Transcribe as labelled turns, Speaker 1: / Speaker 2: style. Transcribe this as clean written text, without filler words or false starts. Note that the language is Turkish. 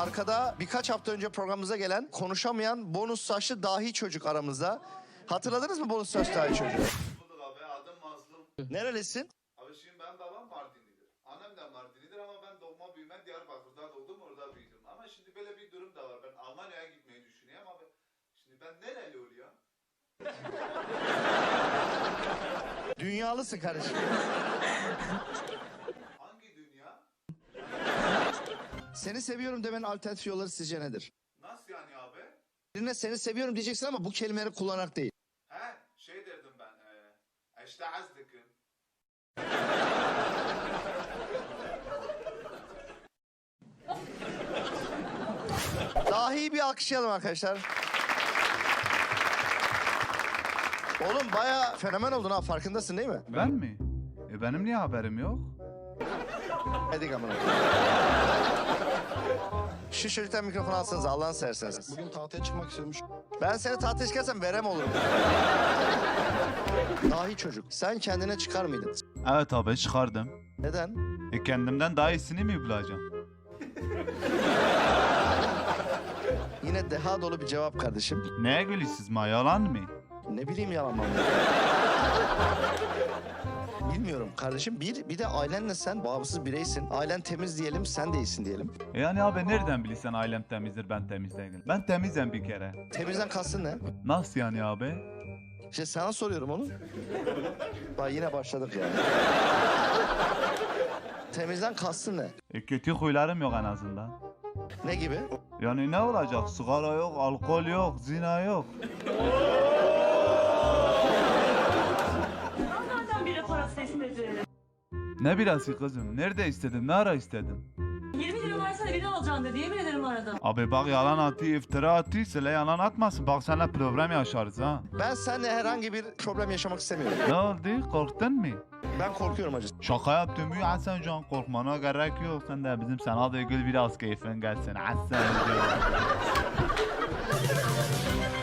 Speaker 1: arkada birkaç hafta önce programımıza gelen konuşamayan bonus saçlı dahi çocuk aramızda. Hatırladınız mı bonus saçlı dahi çocuğu?
Speaker 2: Bulduk abi, adım Mazlum.
Speaker 1: Nerelisin?
Speaker 2: Abi şimdi benim babam Mardinlidir. Annem de Mardinlidir ama ben doğma büyüme Diyarbakır'da doğdum, orada büyüdüm. Ama şimdi böyle bir durum da var. Ben Almanya'ya gitmeyi düşünüyorum abi. Şimdi ben nereli oluyor?
Speaker 1: Dünyalısın kardeşim.
Speaker 2: Hangi dünya?
Speaker 1: Seni seviyorum demenin alternatif yolları sizce nedir?
Speaker 2: Nasıl yani abi?
Speaker 1: Birine seni seviyorum diyeceksin ama bu kelimeleri kullanarak değil.
Speaker 2: He, şey derdim ben. İşte azdıkım.
Speaker 1: Dahi bir alkışlayalım arkadaşlar. Oğlum bayağı fenomen oldun ha, farkındasın değil mi?
Speaker 3: Ben mi? Benim niye haberim yok?
Speaker 1: Hadi amına. Şu çocuktan mikrofonu alsanız Allah'ını severseniz.
Speaker 4: Bugün tahtaya çıkmak istiyormuş.
Speaker 1: Ben seni tahtaya çıkarsam verem olurum. Dahi çocuk. Sen kendine çıkar mıydın?
Speaker 3: Evet abi çıkardım.
Speaker 1: Neden?
Speaker 3: Kendimden daha iyisini mi bulacağım?
Speaker 1: Yine deha dolu bir cevap kardeşim.
Speaker 3: Neye gülüyorsunuz ma, yalan mı?
Speaker 1: Ne bileyim yalan mı? Bilmiyorum kardeşim. Bir de ailenle sen bağımsız bireysin. Ailen temiz diyelim, sen de iyisin diyelim.
Speaker 3: Yani abi nereden bilirsen ailem temizdir, ben temiz değilim. Ben temizim bir kere.
Speaker 1: Temizden kastın ne?
Speaker 3: Nasıl yani abi?
Speaker 1: İşte sana soruyorum onu. Bak yine başladık ya. Temizden kastın ne?
Speaker 3: Kötü huylarım yok en azından.
Speaker 1: Ne gibi?
Speaker 3: Yani ne olacak? Sigara yok, alkol yok, zina yok.
Speaker 5: Nereden biri parası istedi?
Speaker 3: Ne birası kızım? Nerede istedin? Ne ara istedin?
Speaker 5: 20 lira versene biri alacağım dedi. Yemin ederim aradım.
Speaker 3: Abi bak yalan atıyor, iftira atıyor. Söyle yalan atmasın. Bak seninle problem yaşarız ha.
Speaker 1: Ben seninle herhangi bir problem yaşamak istemiyorum.
Speaker 3: Ne oldu? Korktun mu?
Speaker 1: Ben korkuyorum acı.
Speaker 3: Şaka yaptım ya Hasan Can, korkmana gerek yok. Sen de bizim sana da gül biraz keyfin gelsin Hasan Can.